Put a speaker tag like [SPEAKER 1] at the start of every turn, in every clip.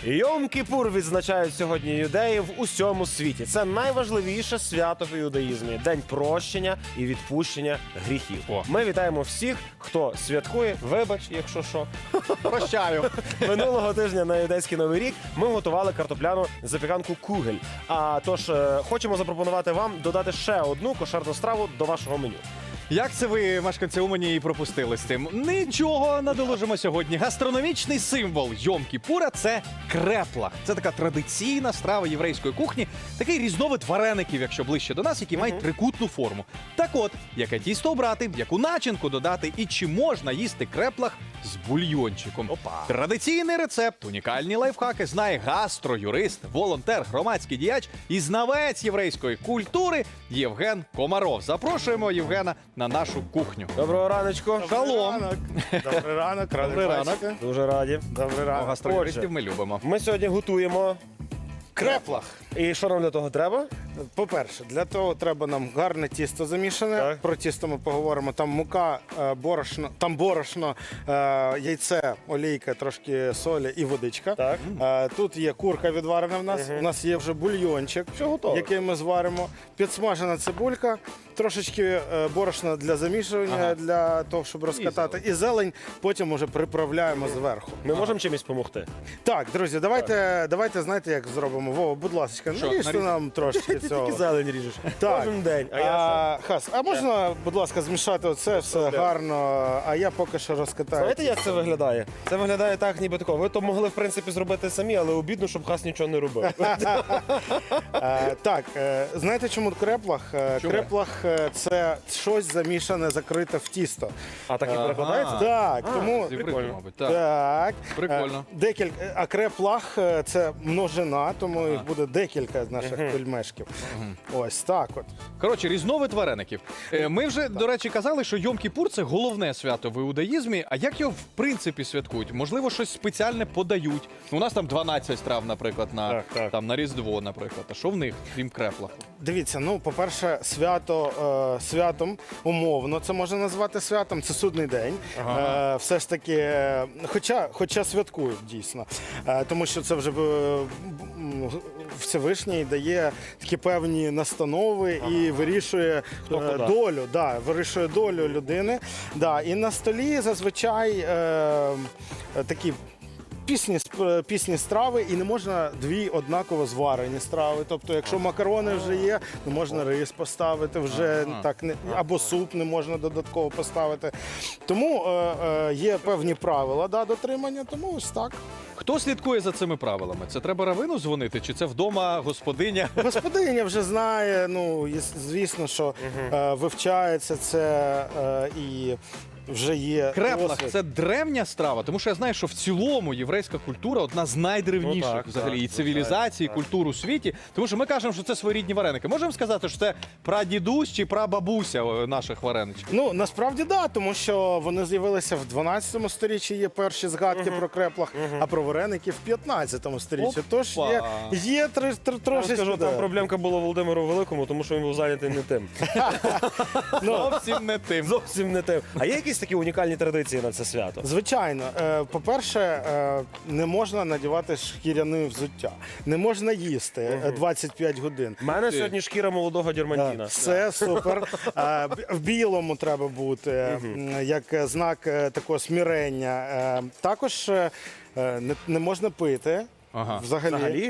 [SPEAKER 1] Йом-Кіпур відзначають сьогодні юдеї в усьому світі. Це найважливіше свято в іудаїзмі – день прощення і відпущення гріхів. Ми вітаємо всіх, хто святкує. Вибач, якщо що.
[SPEAKER 2] Прощаю.
[SPEAKER 1] Минулого тижня на юдейський Новий рік ми готували картопляну запіканку кугель. Тож хочемо запропонувати вам додати ще одну кошерну страву до вашого меню.
[SPEAKER 2] Як це ви, мешканці Умані, і пропустили з тим? Нічого, надолужимо сьогодні. Гастрономічний символ Йом-Кіпура – це креплах. Це така традиційна страва єврейської кухні, такий різновид вареників, якщо ближче до нас, які мають трикутну форму. Так от, яке тісто обрати, яку начинку додати і чи можна їсти креплах з бульйончиком. Традиційний рецепт, унікальні лайфхаки знає гастроюрист, волонтер, громадський діяч і знавець єврейської культури Євген Комаров. Запрошуємо Євгена на нашу кухню.
[SPEAKER 1] Доброго раночку.
[SPEAKER 2] Шалом!
[SPEAKER 3] Добрий ранок,
[SPEAKER 2] Добрий ранок.
[SPEAKER 1] Дуже раді.
[SPEAKER 3] Добрий ранок.
[SPEAKER 2] Гастроюристів ми любимо.
[SPEAKER 1] Ми сьогодні готуємо.
[SPEAKER 3] Креплах.
[SPEAKER 1] І що нам для того треба?
[SPEAKER 3] По-перше, для того треба нам гарне тісто замішане.
[SPEAKER 1] Так.
[SPEAKER 3] Про тісто ми поговоримо. Там мука, борошно, яйце, олійка, трошки солі і водичка.
[SPEAKER 1] Так.
[SPEAKER 3] Тут є курка відварена в нас. У нас є вже бульйончик,
[SPEAKER 1] Все готове.
[SPEAKER 3] який ми зваримо. Підсмажена цибулька, трошечки борошна для замішування, для того, щоб розкатати. І зелень потім уже приправляємо зверху.
[SPEAKER 1] Ми можемо чимось допомогти?
[SPEAKER 3] Так, друзі, давайте знаєте, як зробимо. Вова, будь ласка,
[SPEAKER 2] Що,
[SPEAKER 3] наріжте
[SPEAKER 2] нарізати?
[SPEAKER 3] нам трошки
[SPEAKER 1] Ти
[SPEAKER 3] цього.
[SPEAKER 1] тільки зелень ріжеш.
[SPEAKER 3] Так.
[SPEAKER 1] Кожен день.
[SPEAKER 3] Хас, а можна, будь ласка, змішати оце все гарно, а я поки що розкатаю.
[SPEAKER 1] Знаєте, як це виглядає? Це виглядає так, ніби такого. Ви то могли, в принципі, зробити самі, але обідно, щоб Хас нічого не робив.
[SPEAKER 3] Так, знаєте, чому креплах?
[SPEAKER 2] Чому?
[SPEAKER 3] Креплах це щось замішане, закрите в тісто.
[SPEAKER 1] А так і перекладається?
[SPEAKER 3] Так, тому...
[SPEAKER 2] Зі
[SPEAKER 1] прикольно.
[SPEAKER 2] фрикою, мабуть. Так.
[SPEAKER 3] Так.
[SPEAKER 2] Прикольно.
[SPEAKER 3] А креплах це множина, тому їх буде декілька наших пельмешків. Ось так от.
[SPEAKER 2] Коротше, різновид вареників. Ми вже, до речі, казали, що Йом-Кіпур – це головне свято в іудаїзмі. А як його, в принципі, святкують? Можливо, щось спеціальне подають. У нас там 12 страв, наприклад,
[SPEAKER 1] Так.
[SPEAKER 2] Там, на Різдво, наприклад. А що в них, крім креплах?
[SPEAKER 3] Дивіться, ну, по-перше, святом умовно це можна назвати святом, це судний день. Все ж таки, хоча святкують дійсно. Тому що це вже Всевишній дає такі певні настанови і вирішує долю. Да, вирішує долю людини. Да, і на столі зазвичай такі пісні страви, і не можна дві однаково зварені страви. Тобто, якщо макарони вже є, не можна рис поставити, вже так або суп не можна додатково поставити. Тому є певні правила дотримання, тому ось так.
[SPEAKER 2] Хто слідкує за цими правилами? Це треба равину дзвонити, чи це вдома господиня?
[SPEAKER 3] Господиня вже знає, ну, звісно, що вивчається це і вже є
[SPEAKER 2] Креплах
[SPEAKER 3] досвід.
[SPEAKER 2] – це древня страва, тому що я знаю, що в цілому єврейська культура одна з найдревніших
[SPEAKER 1] Ну, так,
[SPEAKER 2] взагалі і
[SPEAKER 1] так,
[SPEAKER 2] цивілізацій, і
[SPEAKER 1] так.
[SPEAKER 2] культур у світі. Тому що ми кажемо, що це своєрідні вареники. Можемо сказати, що це прадідусь чи прабабуся наших вареничків?
[SPEAKER 3] Ну, насправді, да, тому що вони з'явилися в 12 сторіччі, є перші згадки про креплах, а про вареники в 15 сторіччі. Тож є трошечки...
[SPEAKER 1] Скажу, там проблемка була Володимиру Великому, тому що він був зайнятий не тим.
[SPEAKER 2] Зовсім не тим.
[SPEAKER 1] Зовсім не тим. А є якісь такі унікальні традиції на це свято?
[SPEAKER 3] Звичайно. По-перше, не можна надівати шкіряне взуття. Не можна їсти 25 годин.
[SPEAKER 1] У мене сьогодні шкіра молодого дірмантіна.
[SPEAKER 3] Все супер. В білому треба бути, як знак такого смирення. Також не можна пити.
[SPEAKER 1] Взагалі?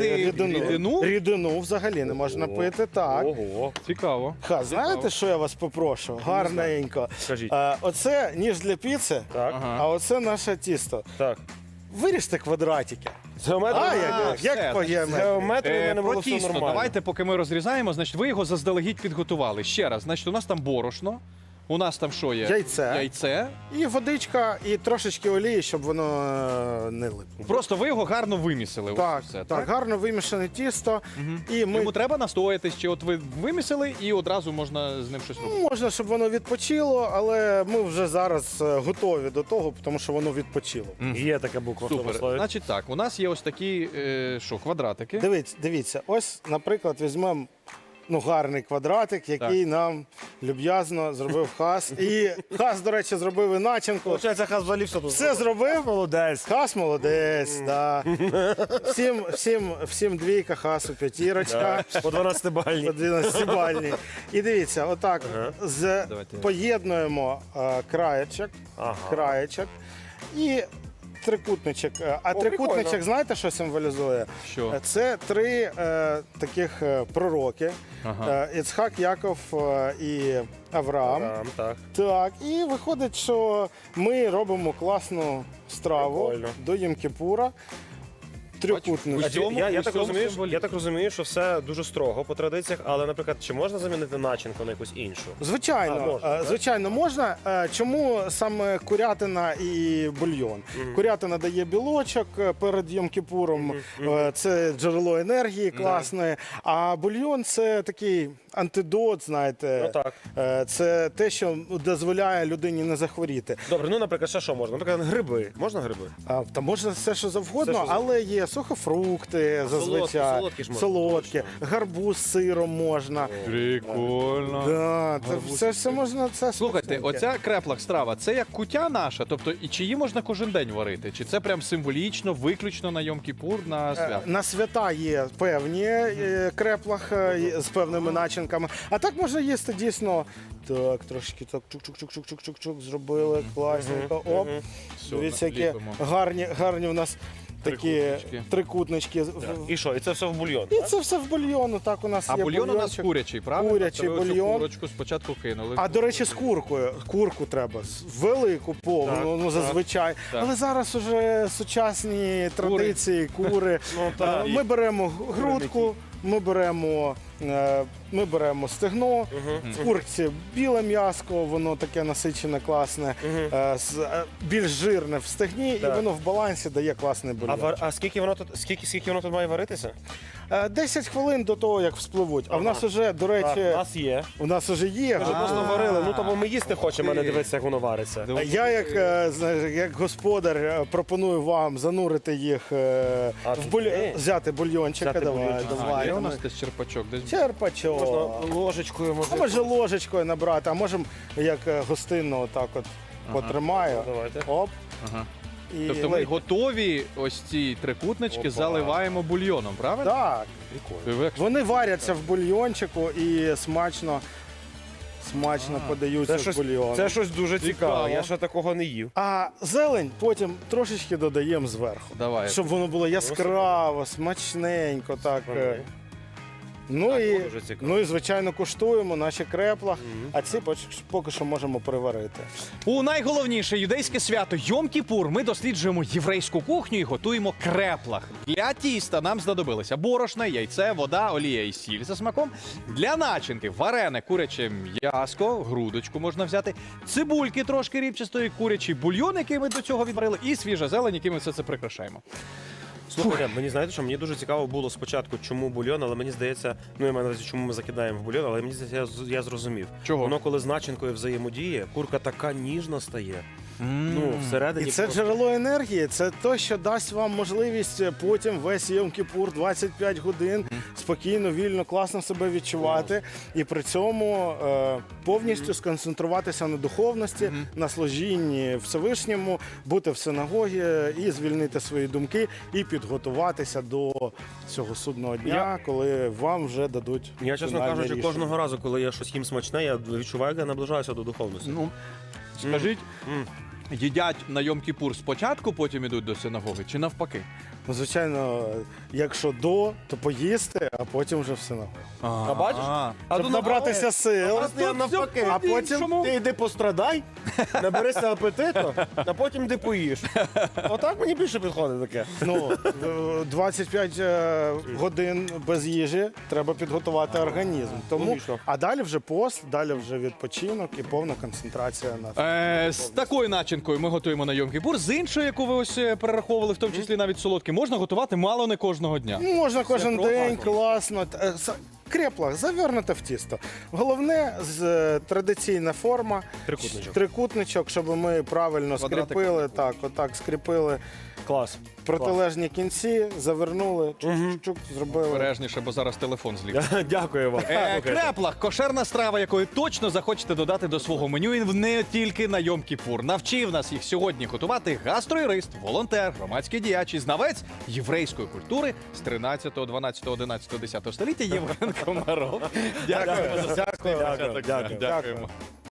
[SPEAKER 3] Рідину взагалі не можна пити, так.
[SPEAKER 1] Ого.
[SPEAKER 2] Цікаво.
[SPEAKER 3] Знаєте, що я вас попрошу? Гарненько.
[SPEAKER 1] Скажіть.
[SPEAKER 3] Оце ніж для піци,
[SPEAKER 1] Так.
[SPEAKER 3] а оце наше тісто.
[SPEAKER 1] Так.
[SPEAKER 3] Виріжте квадратики.
[SPEAKER 1] З геометрією?
[SPEAKER 3] Як по
[SPEAKER 1] З
[SPEAKER 3] геометрії?
[SPEAKER 1] геометрією в мене
[SPEAKER 2] Про
[SPEAKER 1] було все
[SPEAKER 2] тісто,
[SPEAKER 1] нормально.
[SPEAKER 2] давайте, поки ми розрізаємо, значить, ви його заздалегідь підготували. Ще раз, значить, у нас там борошно, у нас там що є? Яйце.
[SPEAKER 3] І водичка, і трошечки олії, щоб воно не липло.
[SPEAKER 2] Просто ви його гарно вимісили.
[SPEAKER 3] Так,
[SPEAKER 2] Все,
[SPEAKER 3] так, гарно вимішане тісто. І ми
[SPEAKER 2] Йому треба настоятись, чи от ви вимісили і одразу можна з ним щось робити?
[SPEAKER 3] можна, щоб воно відпочило, але ми вже зараз готові до того, тому що воно відпочило.
[SPEAKER 1] Є така буква в тому
[SPEAKER 2] Супер.
[SPEAKER 1] слові.
[SPEAKER 2] Значить так, у нас є ось такі, квадратики.
[SPEAKER 3] Дивіться, ось, наприклад, візьмемо гарний квадратик, який нам люб'язно зробив Хас. І Хас, до речі, зробив і начинку.
[SPEAKER 1] Получається, Хас взагалі все тут.
[SPEAKER 3] Все зробив?
[SPEAKER 1] Молодець.
[SPEAKER 3] Хас молодець, да. Всім двійка, Хасу п'ятірочка.
[SPEAKER 1] По 12-бальній.
[SPEAKER 3] 11-бальні. І дивіться, отак
[SPEAKER 2] Давайте.
[SPEAKER 3] поєднуємо краєчок і трикутничок. А трикутничок,
[SPEAKER 1] прикольно.
[SPEAKER 3] знаєте, що символізує?
[SPEAKER 2] Що?
[SPEAKER 3] Це три таких пророки.
[SPEAKER 2] Ага.
[SPEAKER 3] Іцхак, Яков і Авраам.
[SPEAKER 1] Так.
[SPEAKER 3] Так, і виходить, що ми робимо класну страву
[SPEAKER 1] Прикольно.
[SPEAKER 3] до Йом-Кіпура. Трикутничок.
[SPEAKER 2] Бачиш, Усьому-
[SPEAKER 1] Я так
[SPEAKER 2] усьому
[SPEAKER 1] розумію,
[SPEAKER 2] символі.
[SPEAKER 1] я так розумію, що все дуже строго по традиціях, але, наприклад, чи можна замінити начинку на якусь іншу?
[SPEAKER 3] Звичайно,
[SPEAKER 1] можна, так?
[SPEAKER 3] звичайно, можна. Чому саме курятина і бульйон? Курятина дає білочок перед Йом-Кіпуром, це джерело енергії класне, а бульйон це такий антидот, знаєте.
[SPEAKER 1] Ну так.
[SPEAKER 3] Це те, що дозволяє людині не захворіти.
[SPEAKER 1] Добре, ну, наприклад, що можна? Наприклад, гриби. Можна гриби?
[SPEAKER 3] Та можна все, що завгодно,
[SPEAKER 1] Все, що
[SPEAKER 3] але є сухофрукти зазвичай,
[SPEAKER 1] солодкі ж можна,
[SPEAKER 3] солодкі, гарбуз з сиром можна.
[SPEAKER 2] Прикольно.
[SPEAKER 3] Да, це все можна. Це
[SPEAKER 2] Слухайте,
[SPEAKER 3] смачненьке.
[SPEAKER 2] оця креплах страва, це як куття наша, тобто і чи її можна кожен день варити? Чи це прям символічно, виключно на Йом-Кіпур, на свят?
[SPEAKER 3] На свята є певні креплах з певними начинками. А так можна їсти дійсно. Так, трошки так чук-чук-чук-чук-чук-чук зробили, класненько. Оп.
[SPEAKER 2] Все,
[SPEAKER 3] Дивіться, які
[SPEAKER 2] ліпимо.
[SPEAKER 3] гарні у нас такі трикутнички.
[SPEAKER 1] І що? І це все в бульйон?
[SPEAKER 3] І
[SPEAKER 1] так?
[SPEAKER 3] це все в бульйон. Так у нас
[SPEAKER 2] А
[SPEAKER 3] є
[SPEAKER 2] бульйон у нас
[SPEAKER 3] бульйончик.
[SPEAKER 2] курячий, правильно?
[SPEAKER 3] Курячий
[SPEAKER 2] Тобто ви оцю
[SPEAKER 3] бульйон.
[SPEAKER 2] курочку спочатку кинули.
[SPEAKER 3] А до речі, з куркою. Курку треба велику, повну,
[SPEAKER 1] Так,
[SPEAKER 3] ну зазвичай.
[SPEAKER 2] так.
[SPEAKER 3] Але зараз уже сучасні традиції, кури.
[SPEAKER 1] так.
[SPEAKER 3] Ми беремо грудку, ми беремо стегно. В курці біле м'яско, воно таке насичене, класне, більш жирне в стегні, і
[SPEAKER 1] Так.
[SPEAKER 3] воно в балансі дає класний бульйон.
[SPEAKER 1] А скільки воно тут має варитися?
[SPEAKER 3] 10 хвилин до того, як вспливуть. А в нас уже, до
[SPEAKER 1] Так,
[SPEAKER 3] речі,
[SPEAKER 1] у нас є.
[SPEAKER 3] у нас уже є.
[SPEAKER 1] Ми ж просто варили. Ну, тому ми їсти хочемо, а не дивитися, як воно вариться.
[SPEAKER 3] Я, як господар, пропоную вам занурити їх взяти бульйончика.
[SPEAKER 1] Взяти
[SPEAKER 3] Давай,
[SPEAKER 1] бульйончик.
[SPEAKER 3] давай.
[SPEAKER 2] Є у нас десь черпачок, десь
[SPEAKER 3] Черпачок.
[SPEAKER 1] Можна ложечкою,
[SPEAKER 3] А може ложечкою набрати, а можемо як гостинно отак от потримаю.
[SPEAKER 1] Давайте.
[SPEAKER 3] Оп.
[SPEAKER 2] Ага.
[SPEAKER 3] І
[SPEAKER 2] Тобто ми
[SPEAKER 3] лейте.
[SPEAKER 2] готові ось ці трикутнички
[SPEAKER 1] Опа.
[SPEAKER 2] заливаємо бульйоном, правильно?
[SPEAKER 3] Так.
[SPEAKER 1] Прикольно.
[SPEAKER 3] Вони варяться в бульйончику і смачно подаються в бульйон.
[SPEAKER 1] Це щось дуже цікаве.
[SPEAKER 2] Цікаво.
[SPEAKER 1] Я ще такого не їв.
[SPEAKER 3] А зелень потім трошечки додаємо зверху.
[SPEAKER 2] Давай.
[SPEAKER 3] Щоб воно було яскраво, смачненько, так.
[SPEAKER 1] Окей.
[SPEAKER 3] Ну,
[SPEAKER 1] Так,
[SPEAKER 3] і,
[SPEAKER 1] дуже цікаво.
[SPEAKER 3] ну і, звичайно, куштуємо наші крепла, а ці поки що можемо приварити.
[SPEAKER 2] У найголовніше юдейське свято Йом-Кіпур ми досліджуємо єврейську кухню і готуємо креплах. Для тіста нам знадобилося борошно, яйце, вода, олія і сіль за смаком. Для начинки варене куряче м'яско, грудочку можна взяти, цибульки трошки рібчастої, курячий бульйон, який ми до цього відварили, і свіжа зелень, яким ми все це прикрашаємо.
[SPEAKER 1] Слухайте, мені знаєте, що мені дуже цікаво було спочатку, чому бульйон, але мені здається, ну я маю на увазі, чому ми закидаємо в бульйон, але мені здається, я зрозумів.
[SPEAKER 2] Чого?
[SPEAKER 1] Воно коли з начинкою взаємодіє, курка така ніжна стає. Ну, всередині.
[SPEAKER 3] І це
[SPEAKER 1] просто-
[SPEAKER 3] джерело енергії, це те, що дасть вам можливість потім весь Йом-Кіпур 25 годин спокійно, вільно, класно себе відчувати. І при цьому повністю сконцентруватися на духовності, на служінні Всевишньому, бути в синагогі і звільнити свої думки, і підготуватися до цього судного дня, коли вам вже дадуть.
[SPEAKER 1] Я, чесно
[SPEAKER 3] фінальне
[SPEAKER 1] кажучи,
[SPEAKER 3] рішення.
[SPEAKER 1] кожного разу, коли я щось їм смачне, я відчуваю, як я наближаюся до духовності.
[SPEAKER 2] Ну, скажіть, їдять на Йом-Кіпур спочатку, потім ідуть до синагоги, чи навпаки?
[SPEAKER 3] Ну, звичайно, якщо то поїсти, а потім вже в синагогу.
[SPEAKER 1] А бачиш?
[SPEAKER 3] Щоб набратися сил.
[SPEAKER 1] Я навпаки.
[SPEAKER 3] А потім
[SPEAKER 1] Ти йди пострадай, наберися апетиту, а потім йди поїш. Отак мені більше підходить таке.
[SPEAKER 3] Ну, 25 годин без їжі треба підготувати організм. Тому,
[SPEAKER 1] Логічно.
[SPEAKER 3] а далі вже пост, далі вже відпочинок і повна концентрація на
[SPEAKER 2] З такою начинкою ми готуємо на Йом-Кіпур, з іншою, яку ви ось перераховували, в тому числі навіть солодкі, можна готувати мало не кожного дня.
[SPEAKER 3] Ну, можна кожен
[SPEAKER 2] про
[SPEAKER 3] день,
[SPEAKER 2] гарно.
[SPEAKER 3] класно. Крепла, завернуте в тісто. Головне традиційна форма,
[SPEAKER 1] Трикутничок.
[SPEAKER 3] трикутничок, щоб ми правильно
[SPEAKER 2] Квадратик.
[SPEAKER 3] скріпили, так, отак скріпили
[SPEAKER 1] Клас.
[SPEAKER 3] протилежні кінці, завернули, чук-чук, зробили.
[SPEAKER 2] Обережніше, бо зараз телефон зліт.
[SPEAKER 1] Дякую вам. Слухайте.
[SPEAKER 2] Креплах – кошерна страва, якої точно захочете додати до свого меню і не тільки на Йом-Кіпур. Навчив нас їх сьогодні готувати гастроюрист, волонтер, громадський діяч і знавець єврейської культури з 13, 12, 11, 10 століття Євген Комаров. Дякуємо за
[SPEAKER 1] Дякую.
[SPEAKER 2] Дякуємо.